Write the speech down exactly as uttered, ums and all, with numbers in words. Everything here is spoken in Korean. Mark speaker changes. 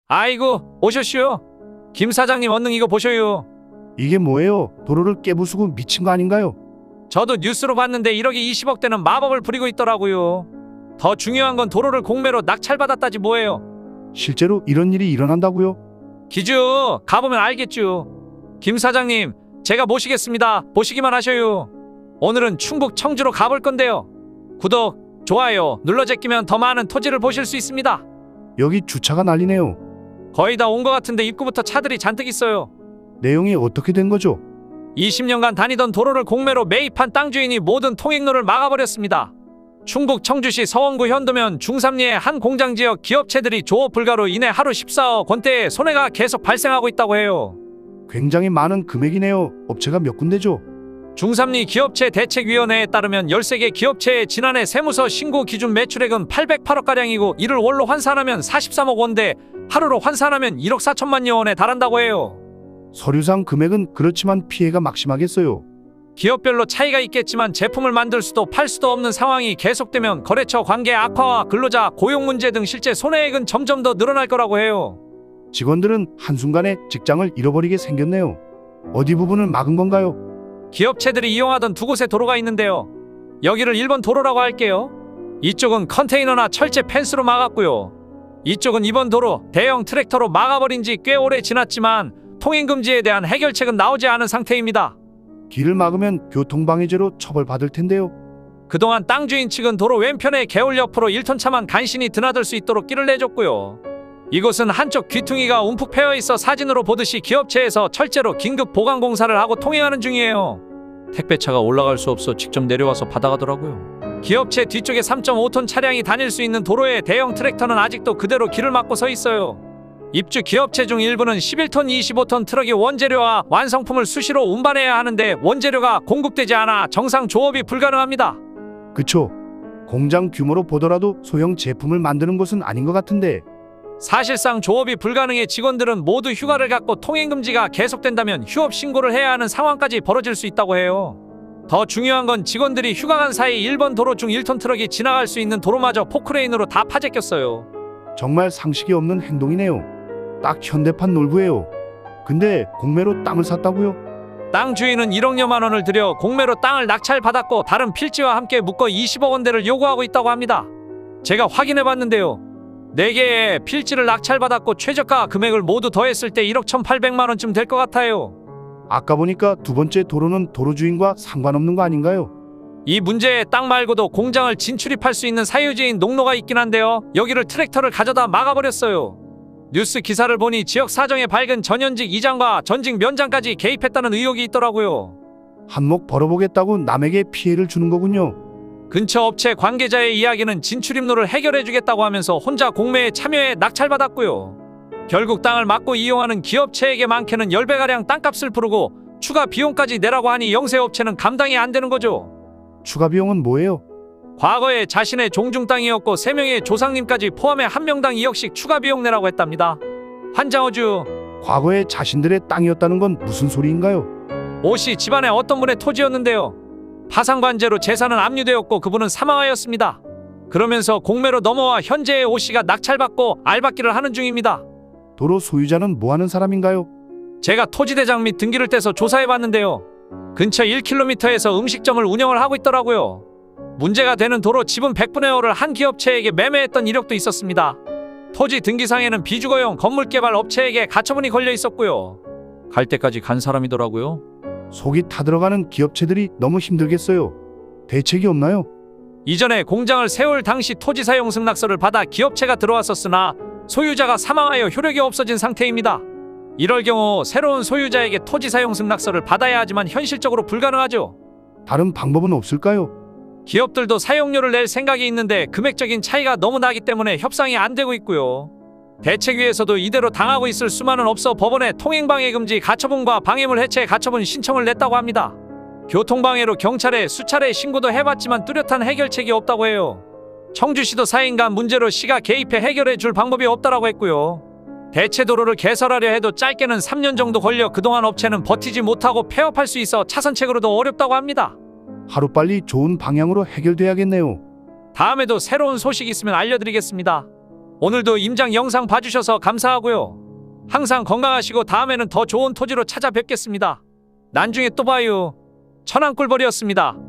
Speaker 1: 아이고 오셨슈. 김 사장님 얼른 이거 보셔요.
Speaker 2: 이게 뭐예요? 도로를 깨부수고 미친 거 아닌가요?
Speaker 1: 저도 뉴스로 봤는데 일억에 이십억 대는 마법을 부리고 있더라고요. 더 중요한 건 도로를 공매로 낙찰받았다지 뭐예요.
Speaker 2: 실제로 이런 일이 일어난다고요?
Speaker 1: 기주 가보면 알겠죠. 김 사장님 제가 모시겠습니다. 보시기만 하셔요. 오늘은 충북 청주로 가볼 건데요. 구독, 좋아요 눌러 제끼면 더 많은 토지를 보실 수 있습니다.
Speaker 2: 여기 주차가 난리네요.
Speaker 1: 거의 다 온 것 같은데 입구부터 차들이 잔뜩 있어요.
Speaker 2: 내용이 어떻게 된 거죠?
Speaker 1: 이십 년간 다니던 도로를 공매로 매입한 땅 주인이 모든 통행로를 막아버렸습니다. 충북 청주시 서원구 현도면 중삼리의 한 공장지역 기업체들이 조업 불가로 인해 하루 십사억 원대의 손해가 계속 발생하고 있다고 해요.
Speaker 2: 굉장히 많은 금액이네요. 업체가 몇 군데죠?
Speaker 1: 중삼리 기업체 대책위원회에 따르면 열세 개 기업체의 지난해 세무서 신고 기준 매출액은 팔백팔억가량이고 이를 월로 환산하면 사십삼억 원대, 하루로 환산하면 일억 사천만여 원에 달한다고 해요.
Speaker 2: 서류상 금액은 그렇지만 피해가 막심하겠어요.
Speaker 1: 기업별로 차이가 있겠지만 제품을 만들 수도 팔 수도 없는 상황이 계속되면 거래처 관계 악화와 근로자 고용 문제 등 실제 손해액은 점점 더 늘어날 거라고 해요.
Speaker 2: 직원들은 한순간에 직장을 잃어버리게 생겼네요. 어디 부분을 막은 건가요?
Speaker 1: 기업체들이 이용하던 두 곳의 도로가 있는데요. 여기를 일 번 도로라고 할게요. 이쪽은 컨테이너나 철제 펜스로 막았고요. 이쪽은 이 번 도로 대형 트랙터로 막아버린 지 꽤 오래 지났지만 통행금지에 대한 해결책은 나오지 않은 상태입니다.
Speaker 2: 길을 막으면 교통방해죄로 처벌받을 텐데요.
Speaker 1: 그동안 땅 주인 측은 도로 왼편에 개울 옆으로 일 톤 차만 간신히 드나들 수 있도록 길을 내줬고요. 이곳은 한쪽 귀퉁이가 움푹 패여 있어 사진으로 보듯이 기업체에서 철제로 긴급 보강 공사를 하고 통행하는 중이에요. 택배차가 올라갈 수 없어 직접 내려와서 받아가더라고요. 기업체 뒤쪽에 삼 점 오 톤 차량이 다닐 수 있는 도로에 대형 트랙터는 아직도 그대로 길을 막고 서 있어요. 입주 기업체 중 일부는 십일 톤, 이십오 톤 트럭이 원재료와 완성품을 수시로 운반해야 하는데 원재료가 공급되지 않아 정상 조업이 불가능합니다.
Speaker 2: 그쵸? 공장 규모로 보더라도 소형 제품을 만드는 곳은 아닌 것 같은데.
Speaker 1: 사실상 조업이 불가능해 직원들은 모두 휴가를 갖고 통행금지가 계속된다면 휴업 신고를 해야 하는 상황까지 벌어질 수 있다고 해요. 더 중요한 건 직원들이 휴가 간 사이 일 번 도로 중 일 톤 트럭이 지나갈 수 있는 도로마저 포크레인으로 다 파제꼈어요.
Speaker 2: 정말 상식이 없는 행동이네요. 딱 현대판 놀부예요. 근데 공매로 땅을 샀다고요?
Speaker 1: 땅 주인은 일억여만 원을 들여 공매로 땅을 낙찰받았고 다른 필지와 함께 묶어 이십억 원대를 요구하고 있다고 합니다. 제가 확인해봤는데요. 네 개의 필지를 낙찰받았고 최저가 금액을 모두 더했을 때 일억 천팔백만 원쯤 될 것 같아요.
Speaker 2: 아까 보니까 두 번째 도로는 도로 주인과 상관없는 거 아닌가요?
Speaker 1: 이 문제의 땅 말고도 공장을 진출입할 수 있는 사유지인 농로가 있긴 한데요. 여기를 트랙터를 가져다 막아버렸어요. 뉴스 기사를 보니 지역 사정에 밝은 전현직 이장과 전직 면장까지 개입했다는 의혹이 있더라고요.
Speaker 2: 한몫 벌어보겠다고 남에게 피해를 주는 거군요.
Speaker 1: 근처 업체 관계자의 이야기는 진출입로를 해결해주겠다고 하면서 혼자 공매에 참여해 낙찰받았고요. 결국 땅을 막고 이용하는 기업체에게 많게는 십 배가량 땅값을 부르고 추가 비용까지 내라고 하니 영세업체는 감당이 안 되는 거죠.
Speaker 2: 추가 비용은 뭐예요?
Speaker 1: 과거에 자신의 종중 땅이었고 세 명의 조상님까지 포함해 한 명당 이억씩 추가 비용 내라고 했답니다. 환장어주.
Speaker 2: 과거에 자신들의 땅이었다는 건 무슨 소리인가요?
Speaker 1: 오씨 집안의 어떤 분의 토지였는데요. 파상관제로 재산은 압류되었고 그분은 사망하였습니다. 그러면서 공매로 넘어와 현재의 오씨가 낙찰받고 알박기를 하는 중입니다.
Speaker 2: 도로 소유자는 뭐하는 사람인가요?
Speaker 1: 제가 토지대장 및 등기를 떼서 조사해봤는데요. 근처 일 킬로미터에서 음식점을 운영을 하고 있더라고요. 문제가 되는 도로 지분 백분의 오를 한 기업체에게 매매했던 이력도 있었습니다. 토지 등기상에는 비주거용 건물개발 업체에게 가처분이 걸려 있었고요. 갈 때까지 간 사람이더라고요.
Speaker 2: 속이 타들어가는 기업체들이 너무 힘들겠어요. 대책이 없나요?
Speaker 1: 이전에 공장을 세울 당시 토지 사용 승낙서를 받아 기업체가 들어왔었으나 소유자가 사망하여 효력이 없어진 상태입니다. 이럴 경우 새로운 소유자에게 토지 사용 승낙서를 받아야 하지만 현실적으로 불가능하죠.
Speaker 2: 다른 방법은 없을까요?
Speaker 1: 기업들도 사용료를 낼 생각이 있는데 금액적인 차이가 너무 나기 때문에 협상이 안 되고 있고요. 대책위에서도 이대로 당하고 있을 수만은 없어 법원에 통행방해 금지 가처분과 방해물 해체 가처분 신청을 냈다고 합니다. 교통방해로 경찰에 수차례 신고도 해봤지만 뚜렷한 해결책이 없다고 해요. 청주시도 사인간 문제로 시가 개입해 해결해 줄 방법이 없다라고 했고요. 대체 도로를 개설하려 해도 짧게는 삼 년 정도 걸려 그동안 업체는 버티지 못하고 폐업할 수 있어 차선책으로도 어렵다고 합니다.
Speaker 2: 하루빨리 좋은 방향으로 해결돼야겠네요.
Speaker 1: 다음에도 새로운 소식 있으면 알려드리겠습니다. 오늘도 임장 영상 봐주셔서 감사하고요. 항상 건강하시고 다음에는 더 좋은 토지로 찾아뵙겠습니다. 나중에 또 봐요. 천안꿀벌이었습니다.